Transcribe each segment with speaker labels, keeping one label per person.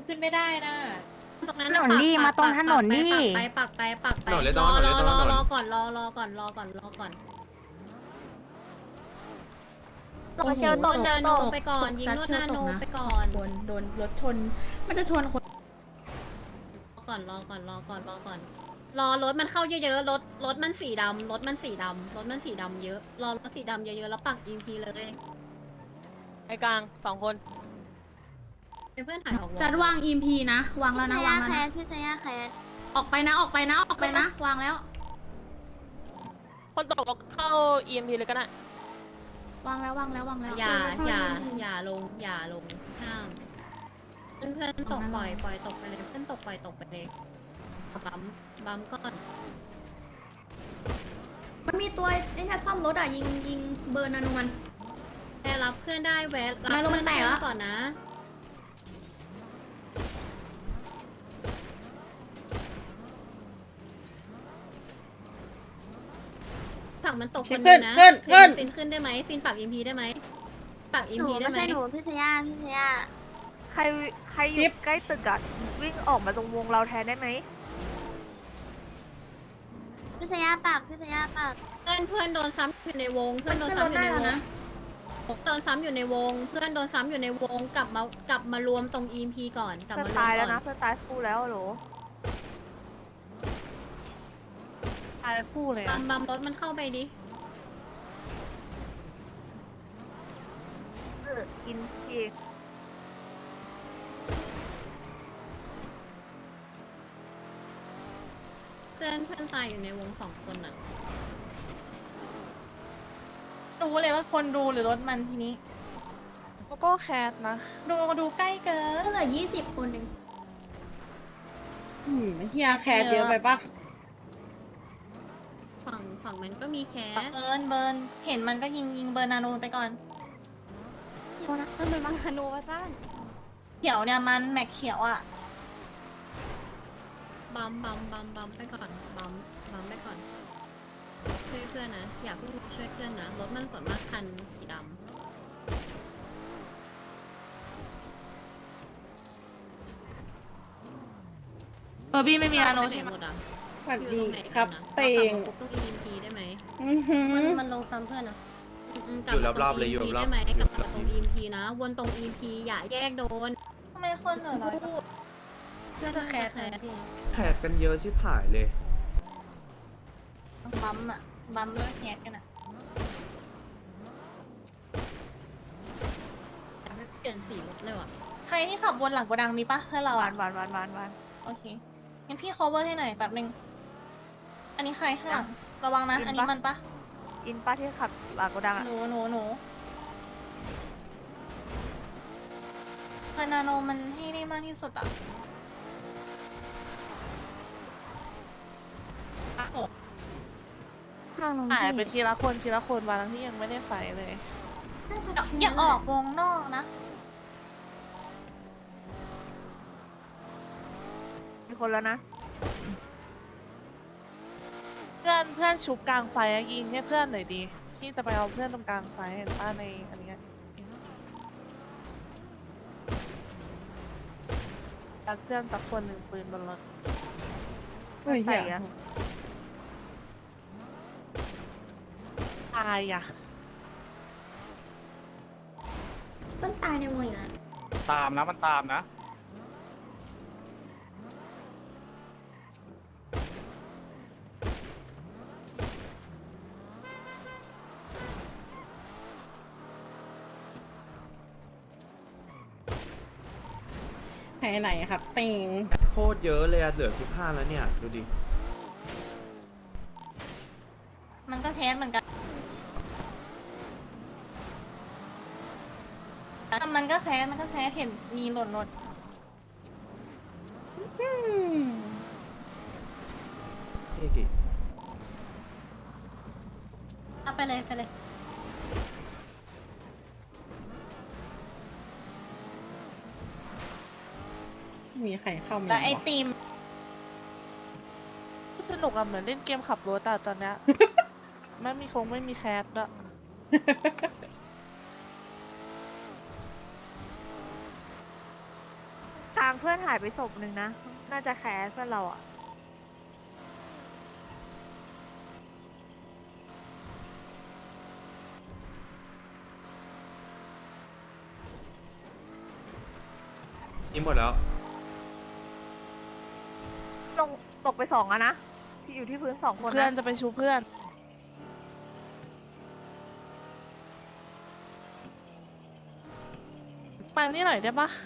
Speaker 1: ขึ้นไม่ได้นะ
Speaker 2: ตรงนั้น
Speaker 3: ถนนดิมาตรงถนนดิ
Speaker 2: ปักไป
Speaker 4: ถนนเลย
Speaker 2: รอ
Speaker 4: ถนนเลยถนน
Speaker 2: รอก่อนรอก่อน
Speaker 3: เชลตก
Speaker 2: นาโนไปก่อนยิงนวดนาโนไปก่อน
Speaker 1: คนโดนรถชน มันจะชนคน
Speaker 2: รอก่อนรอรถมันเข้าเยอะๆรถมันสีดำรถมันสีดำเยอะรอรถสีดำเยอะๆแล้วปักอีพีเลย
Speaker 5: ไอ้กลาง2 คน
Speaker 2: เป็นเพื่อนถ่ายออก
Speaker 1: จัดวาง EMP นะ วางแล้วนะวางแล้วนะ
Speaker 3: พี่เซย่าแคส
Speaker 1: ออกไปนะ วางแล้ว
Speaker 5: คนตกเราเข้า EMP เลยก็ได้
Speaker 1: วางแล้ว
Speaker 2: อย่าลงห้ามเพื่อนตกปล่อยตกไปเลยเพื่อนตกปล่อยตกไปเลยบัมก่อน
Speaker 6: มันมีตัวไอ้เนี่ยซ่อมรถอ่ะยิงเบอร์นาโนมัน
Speaker 2: แต่รับเพื่อนได้แวะรับ
Speaker 6: นาโนมันแตกแล้ว
Speaker 2: ก่อนนะผักมันตกคนนึงนะซินขึ้นได้ไหมซินปักอิมพีได้ไหมปักอิม
Speaker 3: หนู
Speaker 2: พีได้
Speaker 3: ไม่
Speaker 2: ไหม
Speaker 3: ใช่หนูพี่เซย่าใครอยู่ใกล้ตึกอะวิ่งออกมาตรงวงเราแทนได้ไหมพี่เซย่าปาก
Speaker 2: เพื่อนโดนซ้ำอยู่ในวงเพื่อนโดนซ้ำอยู่ในวงโดนซ้ำอยู่ในวงเพื่อนโดนซ้ำอยู่ในวงกลับมารวมตรงอีมพีก่อนกลับ
Speaker 3: เพื่อน
Speaker 2: มารวม
Speaker 3: ตายแล้ว
Speaker 2: ก่อ
Speaker 3: นะ
Speaker 2: น
Speaker 3: เพื่อนตายคู่แล้วโหล
Speaker 5: ตายคู่เลย
Speaker 2: บั
Speaker 5: อะ
Speaker 2: มรถมันเข้าไปดิ
Speaker 3: กินเอง
Speaker 2: เพื่อนตายอยู่ในวง2 คนอ่ะ
Speaker 1: รู้เลยว่าคนดูหรือรถมันทีนี้
Speaker 5: แล้วก็แคสนะ
Speaker 1: ดูใกล้เกิน
Speaker 6: ก็เหลือ20 คนเอง
Speaker 1: เฮียแคร์เยอะไปปะ
Speaker 2: ฝั่งมันก็มีแคส
Speaker 1: เบิร์นเห็นมันก็ยิงเบอร์นาโนไปก่อน
Speaker 3: มันเป็นมังคานูมาสั้น
Speaker 1: เขียวเนี่ยมันแม็กเขียวอ่ะ
Speaker 2: บัมไปก่อนบัมไปก่อนช่วยเพื่อนนะอย่าเพิ่งช่วยเพื่อนนะรถมันส่วนมากคันสีดำ
Speaker 1: บี้ไม่มีนาโน
Speaker 2: ไปไหน
Speaker 1: ใช่ไหม
Speaker 2: หมดอ่ะ
Speaker 1: สวัส
Speaker 2: อยู่
Speaker 1: ดี
Speaker 2: ตรงไหน
Speaker 1: ครับ
Speaker 2: กันนะ
Speaker 1: เตง
Speaker 2: กลับมาปุ๊บต้อง EMP ได้ไหม
Speaker 3: มันลงซ้ำเพื่อนอะ
Speaker 2: กลับมาตรง EMP ได้ไหมกลับมาตรง EMP นะวนตรง EMP อย่าแยกโดน
Speaker 1: ทำไมคนเหลือน้อยจัง
Speaker 3: เพื่อนแคสพี่
Speaker 4: แท็กกันเยอะชิบหายเลย
Speaker 1: บัมอะบัมแล้วแฮกกันอะ
Speaker 2: แต่ไม่เปลี่ยนสีรถเลยว่ะ
Speaker 1: ใครที่ขับวนหลังโกดังมีปะเพื่อนเรา
Speaker 3: หวา
Speaker 1: อะ
Speaker 3: นหวาน
Speaker 1: โอเคงั้นพี่ cover ให้หน่อยแป๊บนึง อันนี้ใครข้างหลังระวังนะ อันนี้มันปะ
Speaker 3: อินป้าที่ขับหลังโกดังอะ
Speaker 1: หนูเบอร์นาโนมันให้ได้มากที่สุดอะโอ้
Speaker 3: ข้างนู้น
Speaker 5: หายไปทีละคนมาทั้งที่ยังไม่ได้ไฟเลย
Speaker 1: อย่าออกวงนอกนะ
Speaker 3: มีคนแล้วนะ
Speaker 5: เพื่อนชุบกลางไฟอะยิงให้เพื่อนหน่อยดีที่จะไปเอาเพื่อนตรงกลางไฟเห็นป้าในอันเนี้ยรักเพื่อนสักคนหนึ่งปืนบนรถ
Speaker 3: ใส่อะ
Speaker 5: ตายอ่ะ
Speaker 6: มันตายในวงอีกแล้ว
Speaker 7: ตามนะมันตามนะ
Speaker 1: ไหนครับเตง
Speaker 4: โคตรเยอะเลยอะเหลือ15แล้วเนี่ย ดูดิ
Speaker 1: มันก็แฮกเหมือนกันมันก็แคสเห็นมีหล่น
Speaker 4: เท่กิ
Speaker 3: เอาไปเลย
Speaker 1: มีใครเข้ามาแล้วไอติม
Speaker 5: สนุกอะเหมือนเล่นเกมขับรถอะตอนเนี้ย ไม่มีแคสด้วย
Speaker 3: ตาางเพื่อนหายไปศพหนึ่งนะ น่าจะแคสเพื่อนเราอ่ะ
Speaker 4: นี่หมดแล้ว
Speaker 3: ลงตกไป2อะนะ ที่อยู่ที่พื้น2 คน
Speaker 5: เพื่อน
Speaker 3: นะ
Speaker 5: จะไปชูเพื่อนมานี่หน่อยได้ปะ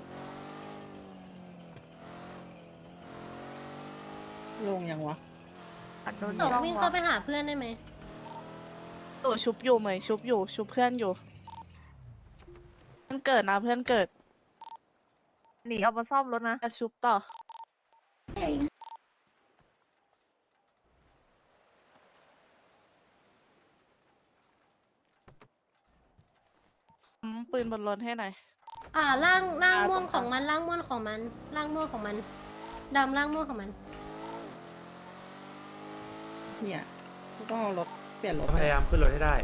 Speaker 7: ลงยังวะ
Speaker 3: อัดโดน
Speaker 2: ตก
Speaker 3: ช่อง
Speaker 2: วิ่ง
Speaker 3: วะ
Speaker 2: เข้าไปหาเพื่อนได้ไหม
Speaker 5: ตู่ชุบอยู่เหมยชุบอยู่ชุบเพื่อนอยู่เพื่อนเกิดนะเพื่อนเกิด
Speaker 3: หนีเอามาซ่อมรถนะ
Speaker 5: จะชุบต่อ
Speaker 6: เอ้ย
Speaker 5: ปืนบนรถให้หน่อย
Speaker 2: ร่าง
Speaker 5: ตรง
Speaker 2: ม่วง
Speaker 5: ก
Speaker 2: ข
Speaker 5: ลา
Speaker 2: อง งมันร่างม่วงของมันร่างม่วงของมันดำร่างม่วงของมัน
Speaker 7: เนี่ยกูต้องเอารถเปลี่ยนรถ
Speaker 4: พยายามขึ้นรถให้ได้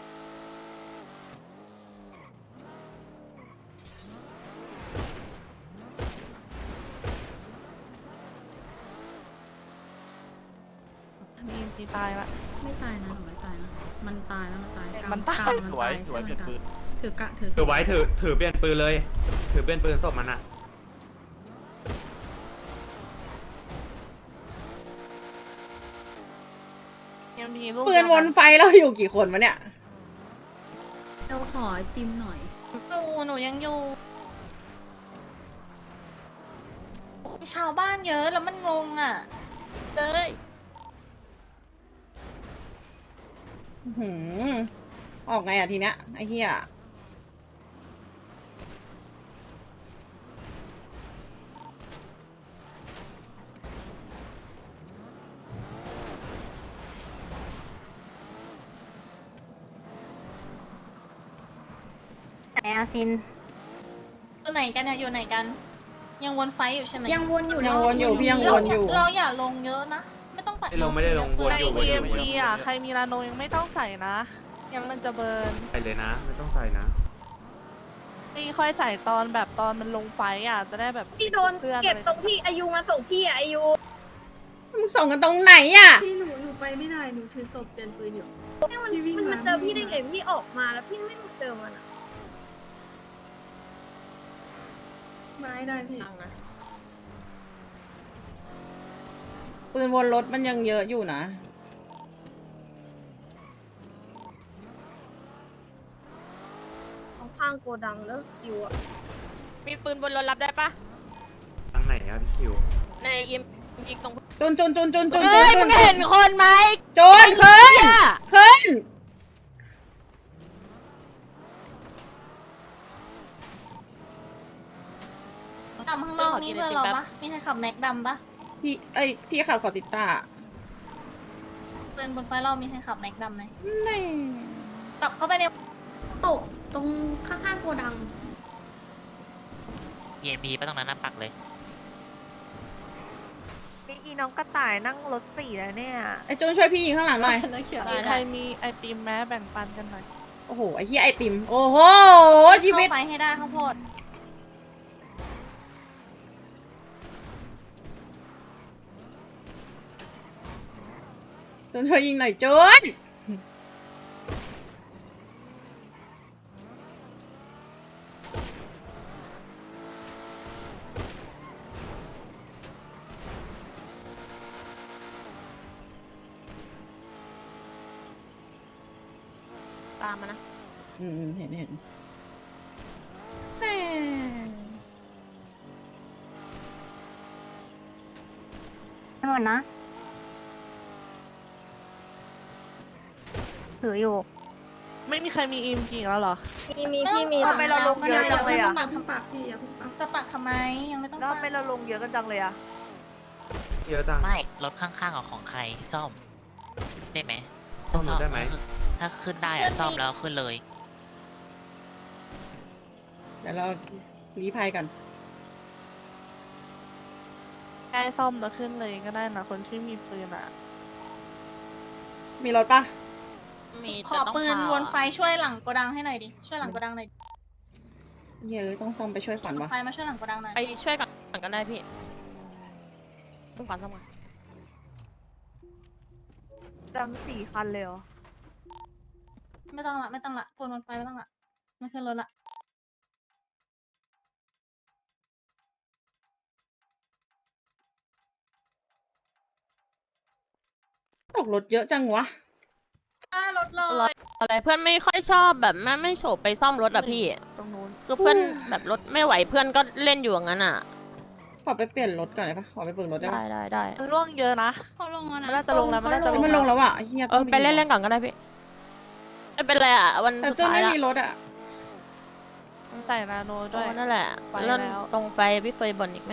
Speaker 5: มีตายละ
Speaker 2: ไม่ตายนะหนูไม่ตายนะมันตายแล้วมันตาย
Speaker 5: มันตาย
Speaker 2: กลงมันตายใช่มันตายถือกะถือ
Speaker 4: ถือไว้ถือเปลี่ยนปืนเลย ถือเปลี่ยนปืนศพมันอะ
Speaker 5: ยังมีลูก
Speaker 7: ปืนวนไฟเราอยู่กี่คนวะเนี่ย
Speaker 2: เราขอไอติมหน่อย
Speaker 1: หนูยังอยู่มีชาวบ้านเยอะแล้วมันงงอ่ะเลย
Speaker 7: หืมออกไงอะทีเนี้ยไอ้เหี้ย
Speaker 3: ไหนอาซิน
Speaker 1: อยู่ไหนกันเนี่ยอยู่ไหนกัน ยังวนไฟอยู่ใช่ไหม
Speaker 6: ยังวนอยู่
Speaker 7: ยังวนอยู่พี่ยัง
Speaker 1: เรา
Speaker 7: วนอยู่
Speaker 1: เราอย่าลงเยอะนะ ไม่ต้องปัด
Speaker 4: ไม่ได้ลงวน
Speaker 5: ใน
Speaker 4: อยู่วนอยู่
Speaker 5: EMP อ่ะใครมีลาโนยังไม่ต้องใส่นะ ยังมันจะเบิร์น
Speaker 4: ใส่เลยนะ ไม่ต้องใส่นะ
Speaker 5: นี่ค่อยใส่ตอนแบบตอนมันลงไฟอ่ะจะได้แบบ
Speaker 6: พี่โดน
Speaker 5: เพื่อน
Speaker 6: เก็บตรงที่อายุมาส่งพี่อะอายุ
Speaker 7: มึงส่งกันตรงไหนอะ
Speaker 8: พี่หนูไปไม่ได้ หนูถือศพเปลี่ยนปืนอยู่
Speaker 6: มัน
Speaker 8: พี่วิ่ง
Speaker 6: มัน
Speaker 8: มา
Speaker 6: มาเจอ
Speaker 8: พี่
Speaker 6: พี่
Speaker 8: วิ่
Speaker 6: ได้
Speaker 8: งมา
Speaker 6: ไงพี่ออกมาแล้วพี่ไม่มาเจอมันอะ
Speaker 8: ไม้ได้พี่
Speaker 7: ปืนวนรถมันยังเยอะอยู่นะ
Speaker 6: ข้างโกดังแล้วคิวอะ
Speaker 9: มีปืนบนรถรับได้ปะ
Speaker 4: ทางไหนอะพี่คิว
Speaker 9: ในยิมยิงตรง
Speaker 7: จุนจุนจุนจุนจุน
Speaker 9: เฮ้ย
Speaker 7: จุ
Speaker 9: มึ
Speaker 7: น
Speaker 9: งเห็นคนไหม
Speaker 7: จุนขึ้นขึ้น
Speaker 1: ดำข้างนอกนี่เพื่อนเราปะมีใครขับแม็กดำปะ
Speaker 7: พี่ขับขอติดตา
Speaker 1: เดินบนไฟเรามีใครขับแม็กดำไหม
Speaker 7: นี่
Speaker 1: กลับเข้าไปใน
Speaker 6: ตกตรงข้างๆโกดัง
Speaker 10: EMP ไปตรงนั้นนะปักเลย
Speaker 3: นี่อีน้องกระต่ายนั่งรถ4แล้วเนี่ย
Speaker 7: ไอ้จุนช่วยพี่ยิงข้างหลังหน่อย
Speaker 2: แล้วเขียว
Speaker 5: มีใครมีไอติมแม้แบ่งปันกันหน่อย
Speaker 7: โอ้โห ไอ้เหี้ยไอติม โอ้โห ชีวิต
Speaker 1: เข้าไฟให้ได้ข้าวโพด
Speaker 7: จุนช่วยยิงหน่อยจุน
Speaker 9: ตามมานะ
Speaker 7: เห็น
Speaker 3: ไม่หมดนะ ถืออยู่
Speaker 5: ไม่มีใครมีอิมกี่แล้วเหรอ
Speaker 6: มีพี่มี
Speaker 3: ทำไมเราลงเยอะจังเลยอะ
Speaker 8: อย่าเพิ่งปักพี่อย่าเพิ่งปัก
Speaker 1: จะปัดทำไมยังไม่ต้อง
Speaker 3: แล้ว
Speaker 1: ปั
Speaker 3: ทำ
Speaker 1: ด
Speaker 3: ไมเราลงเยอะกันจังเลยอะ
Speaker 4: เยอะจัง
Speaker 10: ไม่ รถข้างๆของใครซ่อม ได้ไหม
Speaker 4: ซ่อมรถได้ไหม
Speaker 10: ถ้าขึ้นได้อะซ่อมแล้วขึ้นเลย
Speaker 7: เดี๋ยวเรารีภัยกัน
Speaker 5: ใกล้ซ่อมแล้วขึ้นเลยก็ได้นะคนที่มีปืนอ่ะ
Speaker 7: มีรถปะ
Speaker 9: มี
Speaker 1: ขอปืนวนไฟช่วยหลังโกดังให้หน่อยดิ ช่วยหลังโกดังหน่อย
Speaker 7: เยอะต้องซ่อมไปช่วยฝันวะ
Speaker 1: ไฟมาช่วยหลังโกดังหน่อย
Speaker 9: ไปช่วยกับก็ได้พี่ซ่อมก่อนซ่อมก่อน
Speaker 3: ดำ4 คันเลยเหรอ
Speaker 1: ไม่ต้องละไม่ต้องละวนไปไม่ต้องละไม่ขึ้นรถละ
Speaker 7: ตกรถเยอะจังวะ
Speaker 6: รถเลย
Speaker 9: อะไรเพื่อนไม่ค่อยชอบแบบไม่โฉบไปซ่อมรถอะพี่
Speaker 3: ตรงนู้น
Speaker 9: คือเพื่อนแบบรถไม่ไหวเพื่อนก็เล่นอยู่อย่างนั้นอะ
Speaker 7: ขอไปเปลี่ยนรถก่อนได้ปะขอไปเบิกรถได้
Speaker 9: ได้
Speaker 7: ปะ
Speaker 9: ได้
Speaker 5: มันร่วงเยอะนะ
Speaker 6: เขาลงแล้วนะ
Speaker 5: มันน่าจะลงแล้วมันน่าจะ
Speaker 7: เฮ้ยมันลงแล้วอ่ะไอ้เฮีย
Speaker 9: ไปเล่นเล่นก่อนก็ได้พี่ไม่เป็นไรอะวัน
Speaker 7: แต่
Speaker 9: สุด
Speaker 7: เจ้า
Speaker 9: ท้าย
Speaker 7: ไม่
Speaker 9: ละ
Speaker 7: มีรถอ่ะ
Speaker 5: ใส่นาโนด้วย
Speaker 9: นั่นแหละ
Speaker 5: ไฟ
Speaker 9: เล่น
Speaker 5: แล้ว
Speaker 9: ตรงไฟพี่เฟยบ่นอีกไหม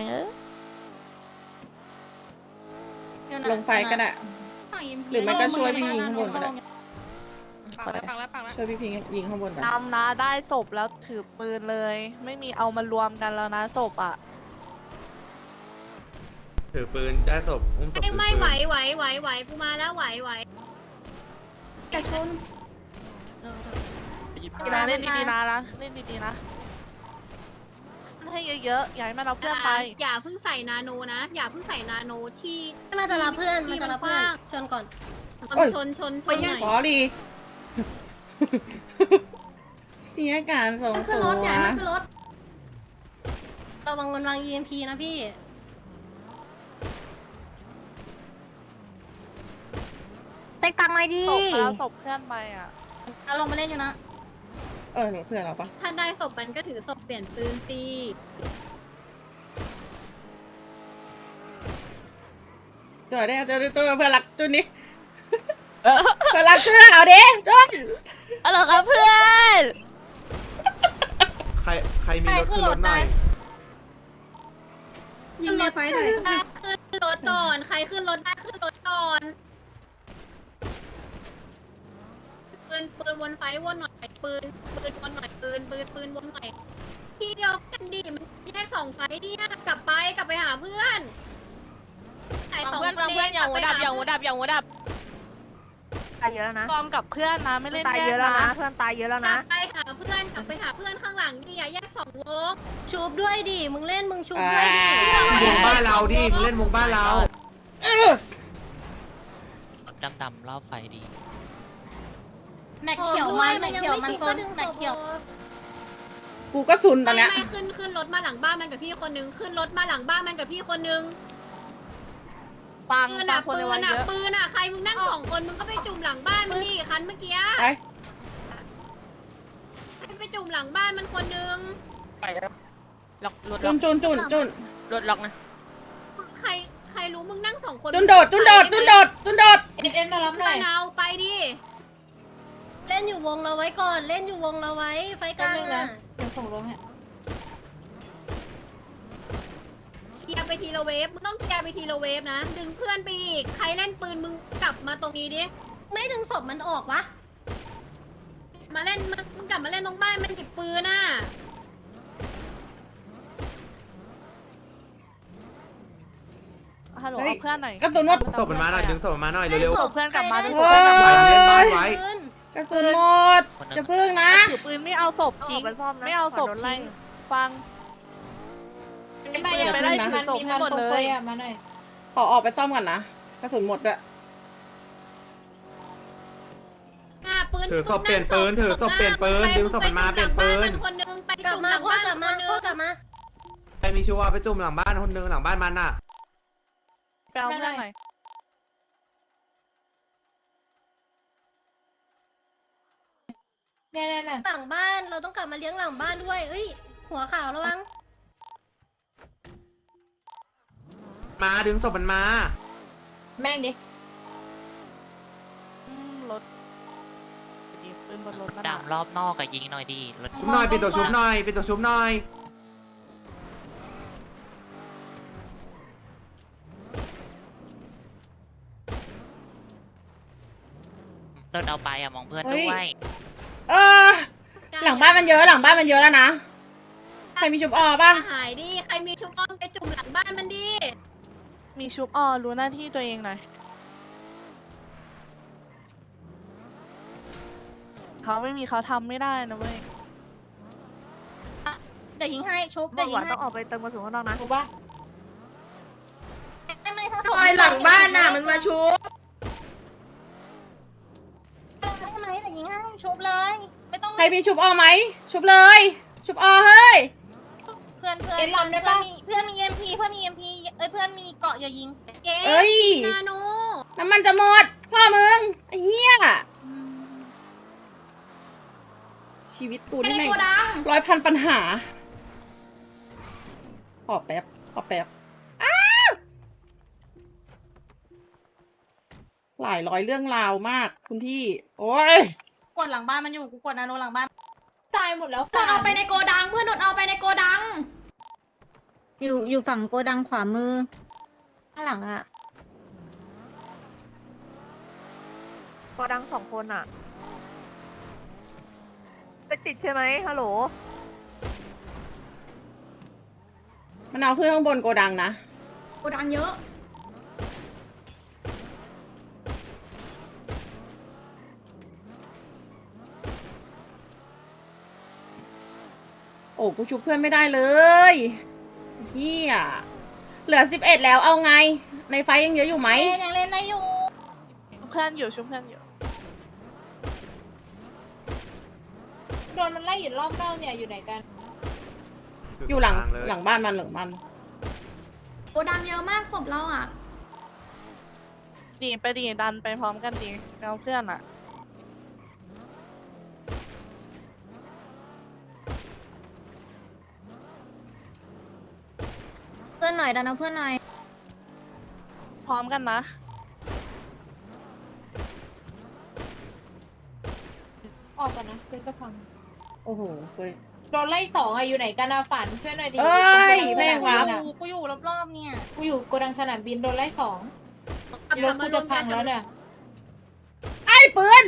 Speaker 1: อยู่นะ
Speaker 7: ลงไฟก็ได้
Speaker 6: ฝั่งยิม
Speaker 7: หรือไม่ก็ช่วยพี่ยิงข้างบนก็ได้
Speaker 6: ปักแล้วปักแล้วปักแล้ว
Speaker 7: ช่วยพี่พิงยิงข้างบนกัน
Speaker 5: นำนะได้ศพแล้วถือปืนเลย ไม่มีเอามารวมกันแล้วนะศพอ่ะ
Speaker 4: ถือปืนได้ศพอุ้มศพถือปืน
Speaker 2: ไม่ไหวกูมาแล้วไหว
Speaker 6: กระชุน
Speaker 5: ดีนะเล่นดีๆนะเล่นดีๆนะให้เยอะๆอย่าให้มันเอาเพื่อนไป
Speaker 2: อย่าเพิ่งใส่นาโนนะ อย่าเพิ่งใส่นาโนที่
Speaker 1: มาจะรับเพื่อน
Speaker 2: ที่
Speaker 1: มาจะรับเพื่อน
Speaker 2: กว้าง
Speaker 1: ชนก่อน
Speaker 2: ชนหน่อย
Speaker 7: สอรี่ เสียการส่ง
Speaker 6: ขึ้น
Speaker 7: ตั
Speaker 6: ร
Speaker 7: ว
Speaker 6: ถเนี่ยขึ้นรถ
Speaker 1: ระวังมันวาง EMP นะพี่เต็กตังไว้ดิ
Speaker 5: ศพแล้วศพเพื่อนไปอ่ะ
Speaker 1: แล้วลงมาเล่นอยู่นะ
Speaker 7: เออเพื่อนเราปะ
Speaker 2: ถ้าได้ศพมันก็ถือศพเปลี่ยนปืนสิ
Speaker 7: ตัวได้เจอตัวเพื่อนรักจุนนี้เพื่อนรักจุนเอาดิจุน
Speaker 9: อะไรครับเพื่อน
Speaker 4: ใครมีรถขึ้นรถหน่อย
Speaker 8: ยิงในไฟหน่อย
Speaker 2: ขึ้นรถก่อน ใครขึ้นรถได้ขึ้นรถก่อนปืนวนไฟวนหน่อยปืนวนหน่อยปืนวนหน่อยที่เดียวกันดิมันแยก2 ไฟเนี่ยกลับไปหาเพื่อนใส่
Speaker 9: บาง
Speaker 2: สอง
Speaker 9: เพื่อน
Speaker 2: ค
Speaker 9: บางเพื่อนอย่างหัวดับอย่างหัวดับอย่างหัวดับ
Speaker 3: ตายเยอะแล้วนะ
Speaker 5: กอมกับเพื่อนนะไม่เล่น
Speaker 3: ตาย
Speaker 5: แย
Speaker 3: เย
Speaker 5: ก
Speaker 3: อะแล้ว
Speaker 5: นะ
Speaker 3: นะ เพื่อนตายเยอะแล้ว
Speaker 2: ก
Speaker 3: นะ
Speaker 2: ลับไปหาเพื่อนข้างหลังดิอย่าแยก2 วง
Speaker 1: ชูบด้วยดิ มึงเล่นมึงชูบด้วยดิ
Speaker 4: วงบ้านเราดิมึงเล่นวงบ้านเรา
Speaker 10: ดำๆรอบไฟดี
Speaker 1: แม็กเขียวมันแม็กเขียวมันโซนแม็กเขียว
Speaker 7: กูก็ซุนตอนเนี้ย
Speaker 2: ไม่ขึ้นรถมาหลังบ้านมันกับพี่คนนึงขึ้นรถมาหลังบ้านมันกับพี่คนนึง
Speaker 5: ฟัง
Speaker 2: ปืน
Speaker 5: ฟั
Speaker 2: อ่ะ
Speaker 5: งคน
Speaker 2: ปื
Speaker 5: ใน
Speaker 2: น
Speaker 5: วัย
Speaker 2: อ่ะ
Speaker 5: เยอะ
Speaker 2: ปืนอ่ะใครมึงนั่ง2 คนมึงก็ไปจุ่มหลังบ้านมันดิคันเมื่อกี้
Speaker 7: ไป
Speaker 2: ไปจุ่มหลังบ้านมันคนนึง
Speaker 9: ไปแล้วล็อกรถ
Speaker 7: จุ
Speaker 9: ล็อน ก
Speaker 7: จุน
Speaker 9: รถล็อกนะ
Speaker 2: ใครรู้มึงนั่ง2 คน
Speaker 7: จุนโดด
Speaker 1: เอ็มมารับหน่อย
Speaker 2: เอาไปดิ
Speaker 1: เล่นอยู่วงเราไว้ก่อน เล่นอยู่วงเราไว้ ไฟกลางอ่ะ
Speaker 2: เดี๋ยวส่งรถให้เคลียร์ไปทีละเวฟมึงต้องเคลียร์ไปทีละเวฟนะดึงเพื่อนไปอีกใครเล่นปืนมึงกลับมาตรงนี้ดิ
Speaker 1: ไม่ดึงศพมันออกวะ
Speaker 2: มาเล่นมึงกลับมาเล่นตรงบ้านมันติดปืนน่ะ
Speaker 5: ฮัลโหลเอาเพื่อนหน่อย
Speaker 7: กระสุนหมด
Speaker 4: ศพมันมาหน่อยดึงศพมันมาหน่อยเร็ว
Speaker 5: ศพเพื่อนกลับมาดึงศ
Speaker 7: โอ้
Speaker 5: พ
Speaker 7: ย
Speaker 5: เพื่อนกลับมา
Speaker 4: เล่นบ้านไว้
Speaker 7: กระสุนหมด จะพึ่งนะ
Speaker 5: ถือปืนไม่เอาศพ
Speaker 3: ต้องอ
Speaker 5: ทิ้
Speaker 3: อง กไปซ่อมนะ
Speaker 5: ไม่เอาศพ
Speaker 3: ขโดนไล่
Speaker 5: ทิ้งฟังมีปืนไปไล่ถือศพให้หมดเลย
Speaker 7: ขอออกไปซ่อมก่อนนะ กระสุนหมดด้วย
Speaker 2: ปืน
Speaker 4: ถือศพเปลี่ยนปืนถือศพเปลี่ยนปืนดึงศพมันมาเปลี่ยนปืน
Speaker 2: คนนึงไป
Speaker 1: กลับมาพ่อกลับมาพ่อกลับมา
Speaker 4: ใครมีชัวร์ไปจุ่มหลังบ้านคนนึงหลังบ้านมันอ่ะ
Speaker 5: ไปเอาเพื่อนหน่อย
Speaker 1: หลังบ้านเราต้องกลับมาเลี้ยงหลังบ้านด้วยเอ้ย หัวขาวระวัง
Speaker 4: มาดึงศพมันมา
Speaker 1: แม่งดิ
Speaker 5: รถดีปืนบนรถมัน
Speaker 10: ดำรอบนอกกับยิงหน่อยดีรถ
Speaker 4: ชุบหน่อยปิดตัวชุบหน่อยปิดตัวชุบหน่อย
Speaker 10: รถเอาไปอะมองเพื่อน
Speaker 7: เฮ้ย
Speaker 10: ด้วย
Speaker 7: เออ หลังบ้านมันเยอะแล้วนะ ใครมีชุบออป่ะ
Speaker 2: หายดิใครมีชุบอ้อมไปจุ่มหลังบ้านมันดิ
Speaker 5: มีชุบออรู้หน้าที่ตัวเองหน่อยเขาไม่มีเขาทำไม่ได้นะเว้ย
Speaker 1: เดี๋ยวยิงให้ชุบ
Speaker 3: บ
Speaker 1: เดี๋
Speaker 3: อย ก
Speaker 1: วยิ
Speaker 3: ว่าง
Speaker 1: ให้
Speaker 3: ต้องออกไปเติมกระสุนข้างนอกนะ
Speaker 1: ถูกปะศพ
Speaker 8: ซอยหลังบ้านน่ะมันมาชุบ
Speaker 1: ได้ไหมแต่ยิงให้ชุบเลย ไม่ต้อง
Speaker 7: ใครมีชุบออไหม ชุบเลย ชุบออเฮ้ย
Speaker 1: เพื่อนเพื่อน
Speaker 2: เอ็นลำได้ปะ
Speaker 1: เพื่อนมีเอ็มพีเพื่อนมีเอ็มพีเอ้ยเพื่อนมีเกาะอย่ายิง
Speaker 2: เย้
Speaker 7: เอ้ย
Speaker 2: นาโน
Speaker 7: น้ำมันจะหมด พ่อมึง ไอ้เหี้ย ชีวิตกู
Speaker 6: ไป
Speaker 7: นี่
Speaker 6: ใน
Speaker 7: แม่ง
Speaker 6: โกดัง
Speaker 7: ร้อยพันปัญหา ขอแป๊บ ขอแป๊บ อ้าวหลายร้อยเรื่องราวมาก คุณพี่ โอ้ย
Speaker 1: กดหลังบ้านมันอยู่กูกดนาโนหลังบ้าน
Speaker 2: ตายหมดแล้ว
Speaker 6: โดนเอาไปในโกดัง เพื่อนโดนเอาไปในโกดัง
Speaker 1: อยู่ฝั่งโกดังขวามือข้างหลังอะ
Speaker 3: โกดัง2 คนอะติดใช่ไหมฮัลโหล
Speaker 7: มันเอาขึ้นข้างบนโกดังนะ
Speaker 6: โกดังเยอะ
Speaker 7: โอ้กูชุบเพื่อนไม่ได้เลยเฮียเหลือ11แล้วเอาไง ในไฟยังเยอะอยู่ไหม
Speaker 1: ยังเล่นได้อยู่
Speaker 5: ชุบเพื่อนอยู่ชุบเพื่อนอยู่
Speaker 2: โดนมันไล่อยู่รอบนอกเนี่ยอยู่ไหนกัน
Speaker 7: อยู่หลัง
Speaker 4: เลย
Speaker 7: หลังบ้านมันหลังบ้าน
Speaker 6: โกดังเยอะมากศพเราอ่ะ
Speaker 5: ดีไปดีดันไปพร้อมกันดีไปเอาเพื่อนอ่ะ
Speaker 1: เพื่อนหน่อยดันเอาเพื่อนหน่อย
Speaker 5: พร้อมกันนะ
Speaker 2: ออกก่อนนะเพื่อนก็พัง
Speaker 7: โอ้โหเฟย
Speaker 2: โดนไล่2อะอยู่ไหนกันอะฝันช่วยหน่อยดิ
Speaker 7: เอ้ย
Speaker 2: กู
Speaker 7: แม่งวะ
Speaker 1: กูอยู่รอบๆเนี่ย
Speaker 2: กูอยู่โกดังสนามบินโดนไล่2รถกูจะพังแล้วเนี่ย
Speaker 7: ไอ้ปืน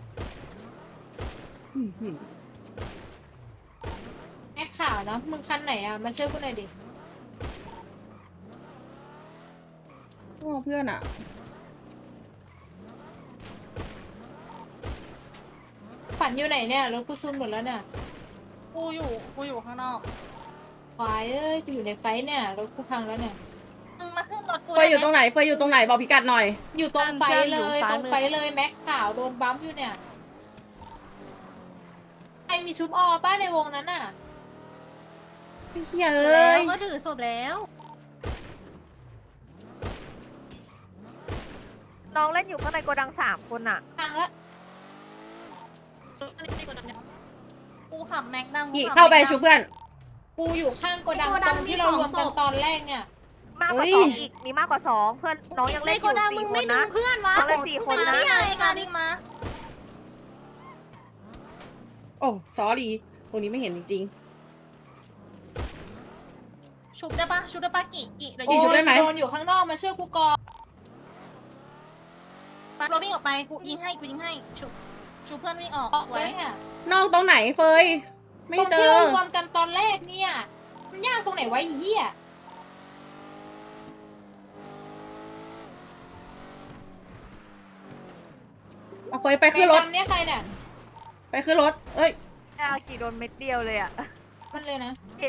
Speaker 7: อื้อหือ
Speaker 2: แม่ข่าวนะมึงคันไหนอะมาช่วยกูหน่อยดิ
Speaker 7: โอ้เพื่อนอะ
Speaker 2: ฝันอยู่ไหนเนี่ยรถกูซุ่มหมดแล้วเนี่ย
Speaker 1: กูอยู่ข้างนอก
Speaker 2: ควายเอ้ยกูอยู่ในไฟเนี่ยรถกูพังแล้วเนี่ย
Speaker 1: มึงมาขึ้นรถกู
Speaker 7: เฟยอยู่ตรงไหนเฟยอยู่ตรงไหนบอกพิกัดหน่อย
Speaker 2: อยู่ตรงไฟ
Speaker 5: เพื่อน
Speaker 2: เล
Speaker 5: อยู่
Speaker 2: ย
Speaker 5: ซ้าย
Speaker 2: ตรง
Speaker 5: มือ
Speaker 2: ไฟเลยแม็กขาวโดนบัมป์อยู่เนี่ยใครมีชุบออป้าในวงนั้นน่ะ
Speaker 7: ไอ้เหี้ย
Speaker 1: แล้
Speaker 7: เอ้ย
Speaker 1: วก็ถือศพแล้ว
Speaker 3: น้องเล่นอยู่ข้างในโกดัง3 คนอะ
Speaker 2: พังแล้ว
Speaker 1: กูขับแม็กดัง
Speaker 7: กี่เข้าไปชุบเพื่อน
Speaker 2: กูอยู่ข้างโกดัง
Speaker 6: ในโกดั
Speaker 2: ต
Speaker 6: ง
Speaker 2: รง
Speaker 6: มี
Speaker 2: ที่เรารวมกัน
Speaker 6: 2 ศพ
Speaker 2: ตอนแรกเนี่ย
Speaker 3: มากกว่า
Speaker 7: เฮ้ย
Speaker 3: 2 อีก มีมากกว่า 2 เพื่อนน้องยังเล่นอยู่4 คนนะ
Speaker 1: เพื่อนวะ
Speaker 3: น้องเล่น4 คนนะ
Speaker 1: อะไรกันดิมา
Speaker 7: โอ้ซอรี่ตรงนี้ไม่เห็นจริง
Speaker 1: ชุบได้ปะชุบได้ปะกี่เดี๋ยว
Speaker 7: กี่ชุบได้ไหม
Speaker 2: โดนอยู่ข้างนอกมาช่วยกูก่อน
Speaker 1: ปัดรถวิ่งออกไปกูยิงให้ชุบเพื่อนวิ่งออก
Speaker 2: ออก
Speaker 1: ส
Speaker 2: เล
Speaker 1: วย
Speaker 2: ยเนี่ย
Speaker 7: ๆนอกตรงไหนเฟย ไม่
Speaker 2: ตรง
Speaker 7: เจ
Speaker 2: ที่
Speaker 7: อ
Speaker 2: เรารวมกันตอนแรกเนี่ย มันยากตรงไหนวะไอ้เหี้ย
Speaker 7: เอาเฟยไปขึ้นรถ
Speaker 2: แม่ดำเนี่ยใครเนี่ย
Speaker 7: ไปขึ้นรถ เอ้ย
Speaker 3: อากี่โดนเม็ดเดียวเลยอะ
Speaker 2: มันเลยนะ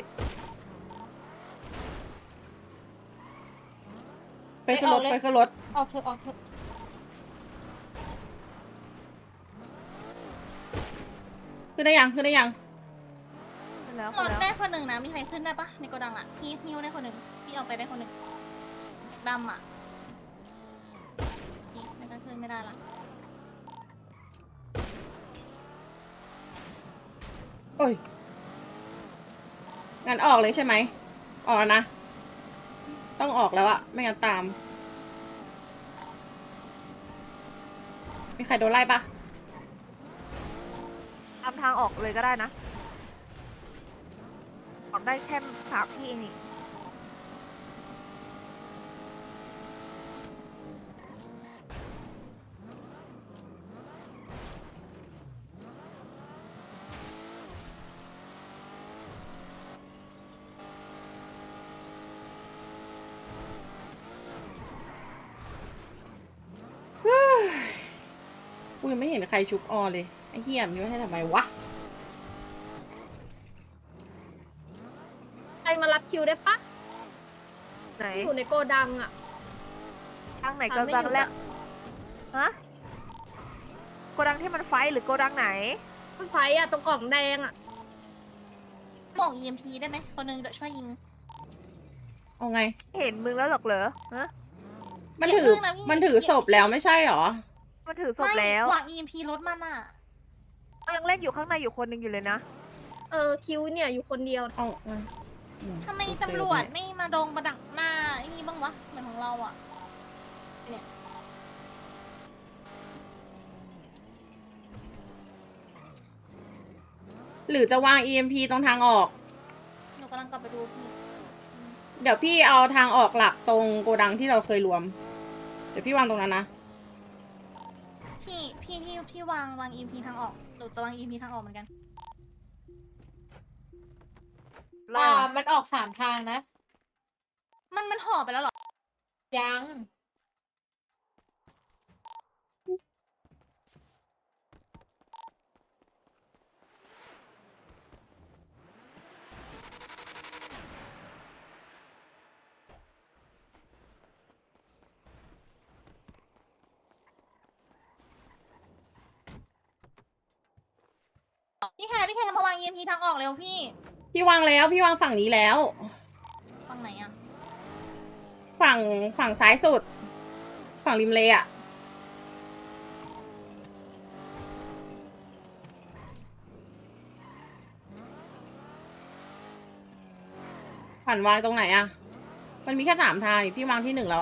Speaker 7: ไปขึ้นรถ ไปขึ้นรถ
Speaker 2: ออกเถอะออกเถอะ
Speaker 7: ขึ้นได้ยัง ขึ้นได้ยัง
Speaker 3: ขึ้นแล้ว
Speaker 1: ร
Speaker 3: ขึ้น
Speaker 1: ถ
Speaker 3: แล้ว
Speaker 1: ได้คนหนึ่งนะมีใครขึ้นได้ปะในโกดังอ่ะพี่ฮิวได้คนหนึ่งพี่เอาไปได้คนหนึ่งดำอ่ะพี่ไม่ต้องขึ้นไม่ได้ละ
Speaker 7: โอ้ย งั้นออกเลยใช่ไหม ออกแล้วนะ ต้องออกแล้วอะไม่งั้นตาม มีใครโดนไล่ปะ
Speaker 3: ตามทางออกเลยก็ได้นะ ออกได้แค่3 ที่เองนี่
Speaker 7: กูยังไม่เห็นใครชุบออเลย ไอ้เหี้ยมีไว้ให้ทำไมวะ
Speaker 6: ใครมารับคิวได้ปะ
Speaker 3: ไหน
Speaker 6: อยู่ในโกดังอ่ะ
Speaker 3: ทางไหนโกดังแรกฮะโกดังที่มันไฟหรือโกดังไหน
Speaker 6: มันไฟอะตรงกล่องแดงอะ
Speaker 1: บอก EMP ได้ไหมคนนึงเดี๋ยวช่วยยิง
Speaker 7: เอาไง
Speaker 3: เห็นมึงแล้วหรอกเหรอฮะ
Speaker 7: มันถือ มันถือศพแล้วไม่ใช่หรอ
Speaker 3: มันถือศพแล้ว
Speaker 1: ไม่วาง EMP รถมันอ่ะ
Speaker 3: ยังเล่นอยู่ข้างในอยู่คนหนึงอยู่เลยนะ
Speaker 6: คิวเนี่ยอยู่คนเดียว
Speaker 7: เอาไง
Speaker 1: ทำไมตำรวจไม่มาดงประดักหน้าไอ้นี่บ้างวะเหมือนของเราอ่ะ
Speaker 7: หรือจะวาง EMP ตรงทางออก
Speaker 1: หนูกำลังกลับไปดูพี่
Speaker 7: เดี๋ยวพี่เอาทางออกหลักตรงโกดังที่เราเคยรวม เดี๋ยวพี่วางตรงนั้นนะ
Speaker 1: พี่วาง EMP ทางออกหนูจะวาง EMP ทางออกเหมือนกัน
Speaker 2: มันออก3 ทางนะ
Speaker 1: มันห่อไปแล้วเหรอ
Speaker 2: ยัง
Speaker 1: พี่แคร์มาวาง EMP ทางออกเร็วพี่
Speaker 7: พี่วางแล้ว พี่วางฝั่งนี้แล้ว
Speaker 1: ฝั่งไหนอ่ะ
Speaker 7: ฝั่งซ้ายสุด ฝั่งริมเลอะผ่านวางตรงไหนอะมันมีแค่3 ทางนี่พี่วางที่ 1แล้วอะ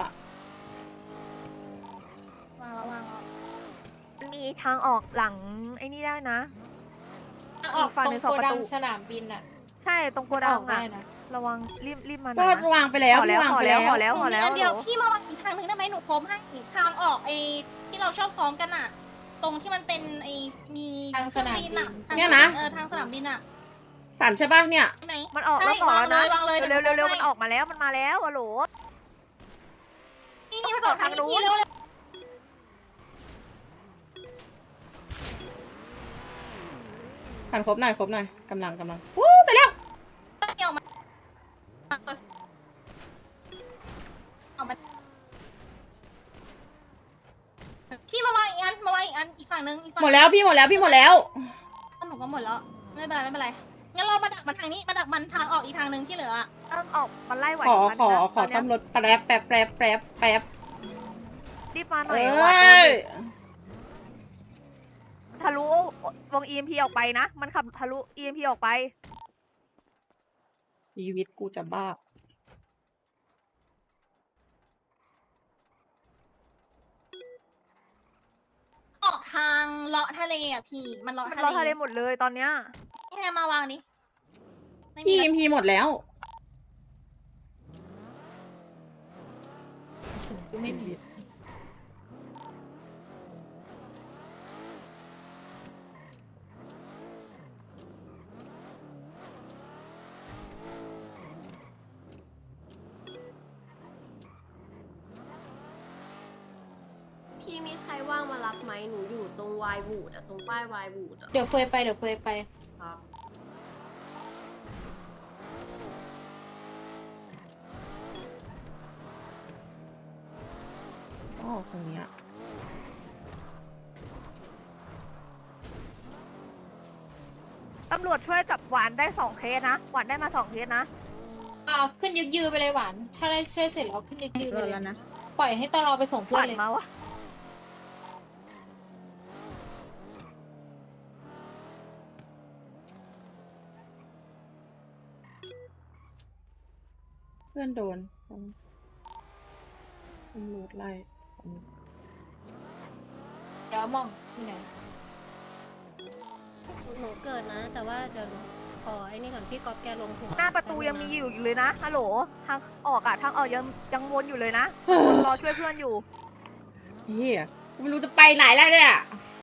Speaker 1: วางแล้ว
Speaker 3: มันมีทางออกหลังไอ้นี่ได้นะ
Speaker 2: ออก
Speaker 3: ฝั่ง
Speaker 2: ตร
Speaker 3: หนึ่
Speaker 2: ง
Speaker 3: งสอง
Speaker 2: โก
Speaker 3: ประ
Speaker 2: ดั
Speaker 3: ตู
Speaker 2: งสนามบินอะ
Speaker 3: ใช่ตรงโกดั
Speaker 2: อง อกได้
Speaker 3: อ่ะ
Speaker 2: นะ
Speaker 3: ระวังรีบมาหน่
Speaker 7: ก็
Speaker 3: อยนะ
Speaker 7: วางไปแล้ว
Speaker 3: พอ
Speaker 7: พี่วางไปแล้ว
Speaker 3: พอแล้ว
Speaker 1: เดี๋ยวพี่มาวางอีกทางหนึ่งได้ไหมหนูพรมให้ทางออกไอ้ที่เราชอบซ้อมกันอะตรงที่มันเป็นไอ้มี
Speaker 2: ทางสนามบิน
Speaker 1: ทาง
Speaker 7: เนี่ยนะ
Speaker 1: ทางสนามบินอะ
Speaker 7: สั่นใช่ปะเนี่ย
Speaker 1: ใช่ไหม
Speaker 3: มันออก
Speaker 1: ใช่
Speaker 3: แล้วต่อแล้วนะ
Speaker 1: วางเลย
Speaker 3: เร็วมันออกมาแล้วมันมาแล้วอะโหล
Speaker 1: นี่ไปต่อทางนู้นเร็ว
Speaker 7: ผ่านครบหน่อยกำลังวู้เสร็จแล้ว
Speaker 1: เกี่ยวมาพี่มาวางอีกอันอีกฝั่งนึงอีกฝั่ง
Speaker 7: หมดแล้วพี่หมดแล้ว
Speaker 1: หนูก็หมดแล้วไม่เป็นไรงั้นเรามาดักมันทางนี้มาดักมันทางออกอีกทางนึงที่เหลืออะ
Speaker 3: เริ่มออกมันไล่ไหว
Speaker 7: ขอ
Speaker 3: มันนะ
Speaker 7: ซ่อม
Speaker 3: ตอน
Speaker 7: ร
Speaker 3: เนี้ย
Speaker 7: ถแป๊บ
Speaker 3: รีบมาหน่
Speaker 7: เอ
Speaker 3: อยว่า
Speaker 7: ้ย
Speaker 3: ทะลุวง EMP ออกไปนะ มันขับทะลุ EMP ออกไป
Speaker 7: ชีวิตกูจะบ้า
Speaker 1: ออกทางเลาะทะเลอ่ะพี่มันเลาะ
Speaker 3: มัน
Speaker 1: ทะ
Speaker 3: รอทะ
Speaker 1: เล
Speaker 3: เลหมดเลยตอนเนี้ย
Speaker 1: แค่มาวางนี้ไม่มี
Speaker 7: พี่
Speaker 1: อะไร
Speaker 7: EMP หมดแล้ว
Speaker 2: ไม่มี
Speaker 6: พี่มีใครว่างมารับไหมหนูอยู่ตรงวายบูดอะตรงป้ายวายบูดอะ
Speaker 2: เดี๋ยวเฟยไป
Speaker 6: ครับ
Speaker 7: อ๋อตรงเนี้ย
Speaker 3: ตำรวจช่วยจับหวานได้2 เคสนะ หวานได้มา2 เคสนะ
Speaker 2: ขึ้นยึกยือไปเลยหวาน ถ้าได้ช่วยเสร็จแล้วขึ้นยึกยือไปเลยปล่อยให้ตลอไปส่ง
Speaker 3: ห
Speaker 2: เพื่อ
Speaker 3: วาน น
Speaker 2: เลย
Speaker 3: มาวะ
Speaker 7: เพื่อนโดนตำรวจไล่
Speaker 2: เดี๋ยวมองที่ไหน
Speaker 6: หนูเกิดนะ แต่ว่าเดี๋ยวหนูขอไอ้นี่ก่อนพี่ก๊อฟแกลงหัว
Speaker 3: หน้าประตูยังมีอยู่เลยนะฮัลโหลทางออกอะทางออกยังวนอยู่เลยนะวนรอช่วยเพื่อนอยู่
Speaker 7: เฮียกูไม่รู้จะไปไหนแล้วเนี่ย